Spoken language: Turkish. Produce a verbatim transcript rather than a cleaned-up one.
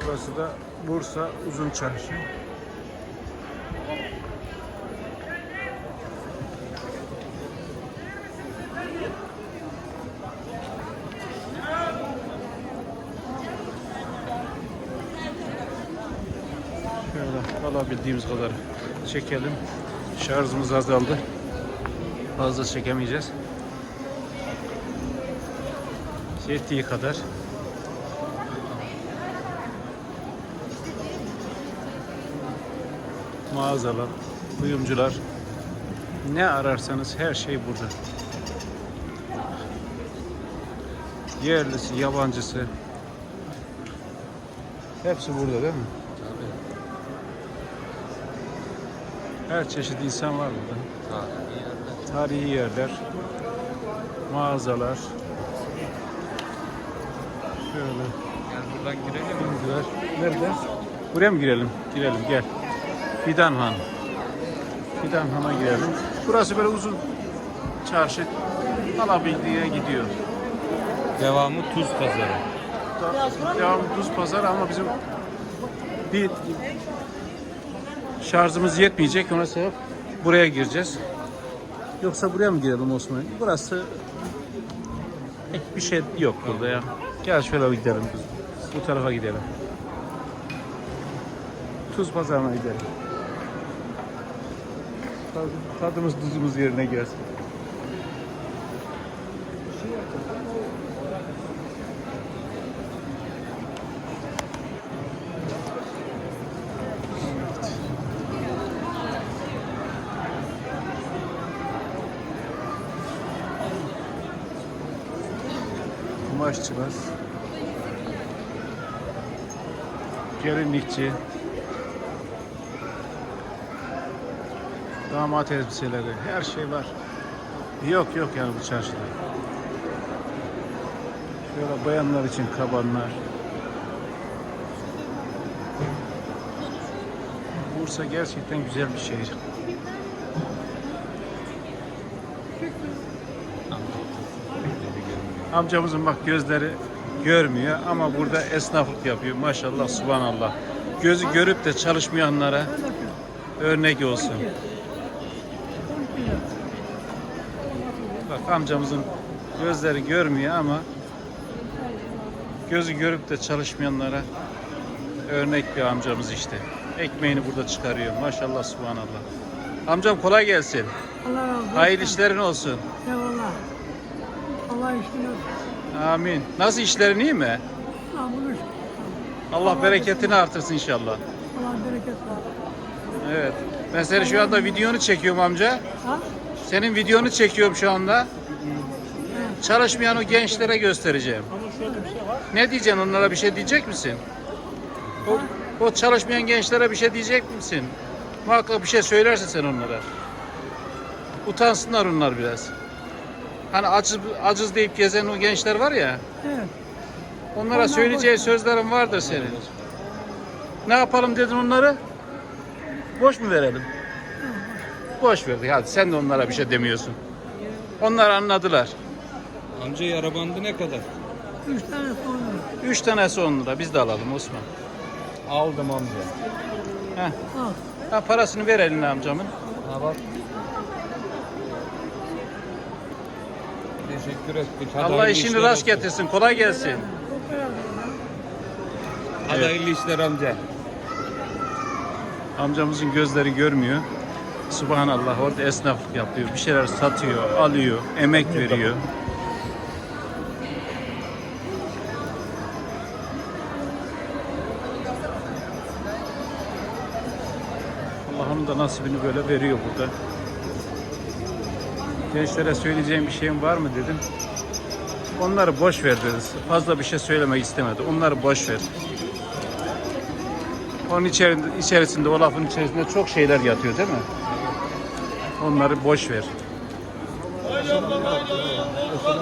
Burası da Bursa Uzun Çarşı. Şöyle alabildiğimiz kadar çekelim. Şarjımız azaldı. Fazla çekemeyeceğiz. Yettiği kadar. Mağazalar, kuyumcular, ne ararsanız her şey burada. Yerlisi, yabancısı, hepsi burada değil mi? Tabii. Her çeşit insan var burada. Tarihi yerler. Tarihi yerler, mağazalar. Şöyle. Gel buradan girelim mi? Kuyumcular. Nerede? Buraya mı girelim? Girelim gel. Fidan Han. Fidan Han'a girelim. Burası böyle uzun çarşı, alabildiğine gidiyor. Devamı Tuz Pazarı. Da- Devamı Tuz Pazarı ama bizim bir şarjımız yetmeyecek. Ona sebep buraya gireceğiz. Yoksa buraya mı girelim Osman? Burası pek bir şey yok burada ya. Gel şöyle gidelim. Bu tarafa gidelim. Tuz Pazarı'na gidelim. Tadımız tuzumuz yerine gelsin. Kumaşçılar, gelinlikçi, damat elbiseleri, her şey var. Yok yok yani bu çarşıda. Şöyle bayanlar için kabanlar. Bursa gerçekten güzel bir şehir. Amcamızın bak gözleri görmüyor ama burada esnaflık yapıyor. Maşallah, subhanallah. Gözü görüp de çalışmayanlara örnek olsun. Bak amcamızın gözleri görmüyor ama gözü görüp de çalışmayanlara örnek bir amcamız işte. Ekmeğini burada çıkarıyor. Maşallah, subhanallah. Amcam kolay gelsin. Allah razı olsun. Hayırlı işlerin olsun. Eyvallah. Allah işini olsun. Amin. Nasıl, işlerin iyi mi? Allah bulur. Allah bereketini artırsın inşallah. Allah bereket versin. Evet. Ben seni şu anda videonu çekiyorum amca. Ha? Senin videonu çekiyorum şu anda. Çalışmayan o gençlere göstereceğim. Ne diyeceksin onlara, bir şey diyecek misin? O, o çalışmayan gençlere bir şey diyecek misin? Muhakkak bir şey söylersin sen onlara. Utansınlar onlar biraz. Hani aciz, aciz deyip gezen o gençler var ya. Evet. Onlara Onlar söyleyeceği boş. sözlerin vardır senin. Ne yapalım dedin onları? Boş mu verelim? Boş verdik. Hadi sen de onlara bir şey demiyorsun. Onlar anladılar. Amca yara bandı ne kadar? Üç tane sonra. Üç tanesi on lira. Biz de alalım Osman. Aldım amca. Heh. Al. Ha, parasını ver eline amcamın. Ha bak. Teşekkür ettik. Hadi Allah hayırlı işini işler rast olsun. getirsin. Kolay gelsin. Hadi Evet. hayırlı işler amca. Amcamızın gözleri görmüyor. Subhanallah, orada esnaflık yapıyor. Bir şeyler satıyor, alıyor, emek veriyor. Allah onun da nasibini böyle veriyor burada. Gençlere söyleyeceğim bir şeyim var mı dedim. Onları boş ver dedi. Fazla bir şey söylemek istemedi. Onları boş ver. Onun içerisinde, içerisinde, o lafın içerisinde çok şeyler yatıyor değil mi? Onları boş ver.